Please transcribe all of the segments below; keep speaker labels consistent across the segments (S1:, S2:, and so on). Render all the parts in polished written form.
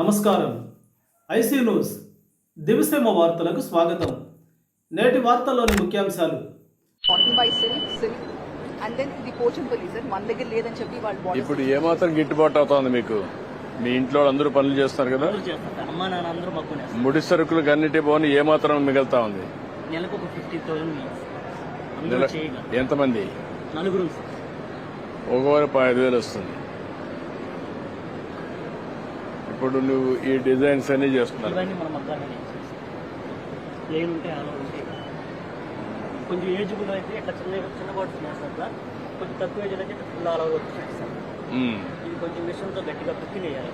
S1: నమస్కారం. IC news దివిసేమ వార్తలకు స్వాగతం. నేటి వార్తల్లోని ముఖ్యాంశాలు.
S2: ఇప్పుడు ఏమాత్రం గిట్టుబాటు అవుతుంది మీకు? మీ ఇంట్లో అందరూ పనులు చేస్తున్నారు కదా, ముడి సరుకులు అన్నిటి పోని ఏమాత్రం మిగులుతా ఉంది?
S3: నెలకు 50,000.
S2: ఎంతమంది?
S3: నలుగురు.
S2: ఒకవారు 5,000 వస్తుంది. ఇప్పుడు నువ్వు ఈ డిజైన్స్ అన్ని చేస్తున్నావు.
S3: కొంచెం ఏజ్ కూడా అయితే ఇట్లా చిన్న బాటిల్స్ చేస్తారు సార్. కొంచెం తక్కువ ఏజ్ అయితే ఫుల్ ఆల్ ఓవర్ వస్తున్నాయి సార్. ఇది కొంచెం మిషన్తో గట్టిగా కుక్కి వేయాలి.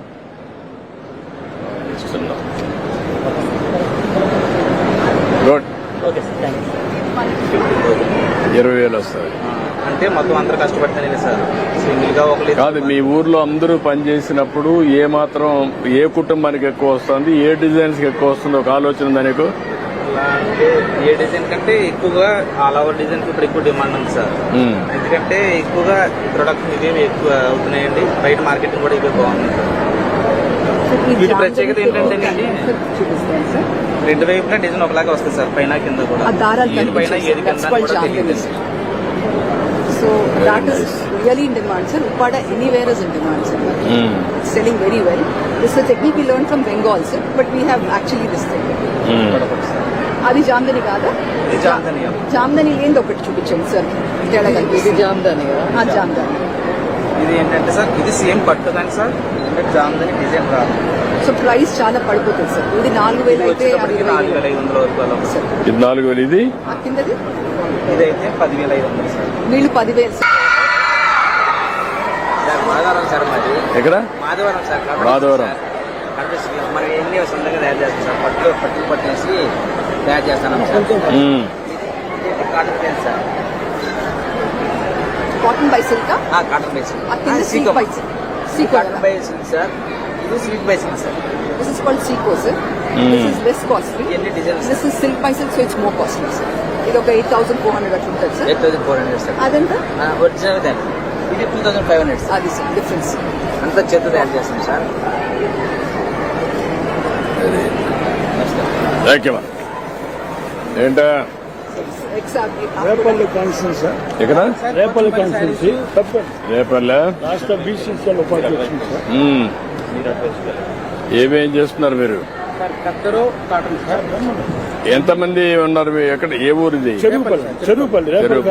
S2: Good.
S3: Okay sir, thank you.
S2: 20,000 వస్తుంది.
S4: అంటే మొత్తం అందరూ కష్టపడతానే సార్. సింగిల్ గా ఒకరు
S2: కాదు, మీ ఊర్లో అందరూ పనిచేసినప్పుడు ఏ మాత్రం ఏ కుటుంబానికి ఎక్కువ వస్తుంది, ఏ డిజైన్స్ కి ఎక్కువ వస్తుంది ఒక ఆలోచన ఉందా నీకు?
S4: అంటే ఏ డిజైన్ కంటే ఎక్కువగా ఆల్ ఓవర్ డిజైన్ ఇప్పుడు ఎక్కువ డిమాండ్ ఉంది సార్. ఎందుకంటే ఎక్కువగా ప్రొడక్ట్స్ ఇవేమి ఎక్కువ అవుతున్నాయండి. బయట మార్కెటింగ్ కూడా ఇవే బాగుంది. వీటి ప్రత్యేకత ఏంటంటే రెండు వైపున డిజైన్ ఒకలాగా వస్తుంది సార్, పైన కింద కూడా. ఏది పైన ఏది కింద కూడా తెలియదు.
S5: So that is really in demand, sir. Uppada anywhere is in demand, sir. It's selling very well. This is a technique we learned from Bengal, sir, but we have actually this thing. అది జామ్దని కాదా? జామ్దని ఏంది ఒకటి చూపించండి sir. ఇది జామ్దని కదా? జామ్దని.
S4: ఇది ఏంటంటే sir, ఇది సేమ్ పట్టు కానీ సార్, జామ్దని డిజైన్ రాదు.
S5: సో ప్రైస్ చాలా పడిపోతుంది సార్. ఇది 4,000 అయితే
S4: 4,500 వరకు అలా సార్.
S2: ఇది 4,000. ఇది
S5: కిందది
S4: ఇదైతే 10,500 సార్.
S5: వీళ్ళు 10,000 సార్.
S4: మాధవరం సార్. మాది
S2: ఎక్కడ?
S4: మాధవరం సార్.
S2: మాధవరం
S4: మనకి ఎన్ని సొంతంగా తయారు చేస్తాం సార్. పట్టులు పట్టేసి తయారు చేస్తాను sir. Cotton plain sir.
S5: Cotton by silk.
S4: Cotton by silk.
S5: Cotton
S4: by silk sir. ఇది silk by silk sir.
S5: This is called Seco, sir. This is less costly. This is silk by silk, so it's more costly, sir. ఇది ఒక 8,400 అట్లా ఉంటుంది sir.
S4: 8,400 sir.
S5: అదంతా
S4: original దాని. ఇది 2,500 sir.
S5: అది sir difference.
S4: అంతా చేత తయారు చేస్తాం సార్.
S2: ఏంటా?
S6: Repalle constituency sir.
S2: ఎక్కడ?
S6: రేపల్లి కాన్స్టిట్యూన్సీ.
S2: రేపల్లె
S6: రాష్ట్ర బీసీసీఎల్ ఉపాధ్యక్షుడు సార్.
S2: ఏమేం చేస్తున్నారు మీరు? ఎంతమంది ఉన్నారు? ఎక్కడ? ఏ ఊరు ఇది?
S6: చెరువుపల్లి.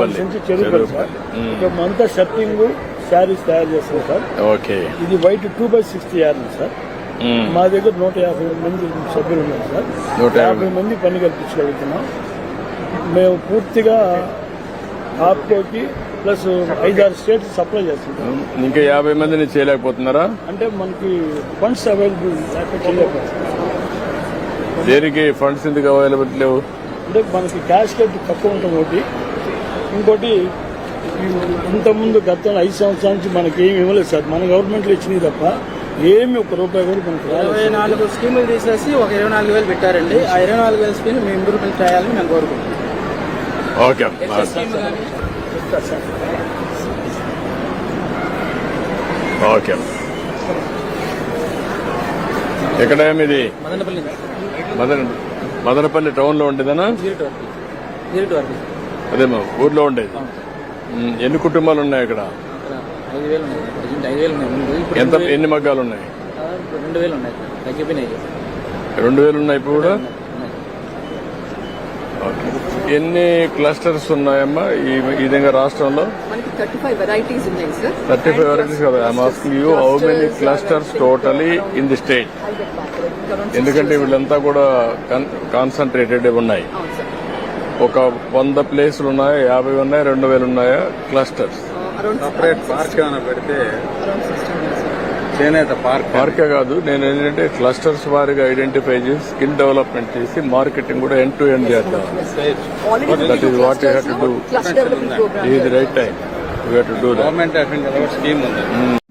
S6: అంతా షర్టింగ్ శారీస్ తయారు చేస్తాం సార్.
S2: ఓకే.
S6: ఇది వైట్ 2/60 యార్డ్ సార్. మా దగ్గర 150 మంది సభ్యులు ఉన్నారు సార్. 150 మంది పని కల్పించగలుగుతున్నాం. మేము పూర్తిగా ఆప్కోకి ప్లస్ 5-6 స్టేట్స్ సప్లై చేస్తుంటాం.
S2: ఇంకా 50 మందిని చేయలేకపోతున్నారా?
S6: అంటే మనకి ఫండ్స్ అవైలబుల్ చేయలేకపోతున్నాం.
S2: దేనికి ఫండ్స్ ఎందుకు అవైలబుల్ లేవు?
S6: అంటే మనకి క్యాష్ రేట్ తక్కువ ఉంటుంది ఒకటి. ఇంకోటి ఇంతకుముందు గతంలో 5 సంవత్సరాల నుంచి మనకి ఏమి ఇవ్వలేదు సార్. మన గవర్నమెంట్లో ఇచ్చినవి తప్ప ఏమి ₹1 కూడా మనకి
S7: 24 స్కీములు తీసేసి ఒక 24,000 పెట్టారండి. ఆ 24,000 స్కీమ్ మేము ఇంప్రూవ్మెంట్ చేయాలని మేము కోరుకుంటున్నాం.
S2: ఓకే. ఓకే. ఎక్కడ ఇది? మదనపల్లి టౌన్ లో ఉండేదనా? అదేమో ఊర్లో ఉండేది. ఎన్ని కుటుంబాలు ఉన్నాయి అక్కడ?
S7: 5,000 ఉన్నాయి.
S2: ఎన్ని మగ్గాలు ఉన్నాయి?
S7: 2,000 ఉన్నాయి. తగ్గిపోయినాయి.
S2: 2,000 ఉన్నాయి ఇప్పుడు కూడా. ఎన్ని క్లస్టర్స్ ఉన్నాయమ్మా ఈ విధంగా రాష్ట్రంలో?
S5: మనకి 35 వెరైటీస్ ఉన్నాయి సార్.
S2: 35 varieties కదా. I'm asking you how many clusters totally in the state? ఎందుకంటే వీళ్ళంతా కూడా కాన్సన్ట్రేటెడ్ ఉన్నాయి. ఒక 100 ప్లేసులు ఉన్నాయా, 50 ఉన్నాయా, 2,000 ఉన్నాయా క్లస్టర్స్?
S4: సపరేట్ పార్క్ ఏమైనా పెడితే చేనేత
S2: పార్కే కాదు, నేను ఏంటంటే క్లస్టర్స్ వారిగా ఐడెంటిఫై చేసి స్కిల్ డెవలప్మెంట్ చేసి మార్కెటింగ్ కూడా ఎండ్ టు ఎండ్ చేద్దాం. That is what you have to do. ఇది right time. You have to do.
S4: Government scheme ఉంది.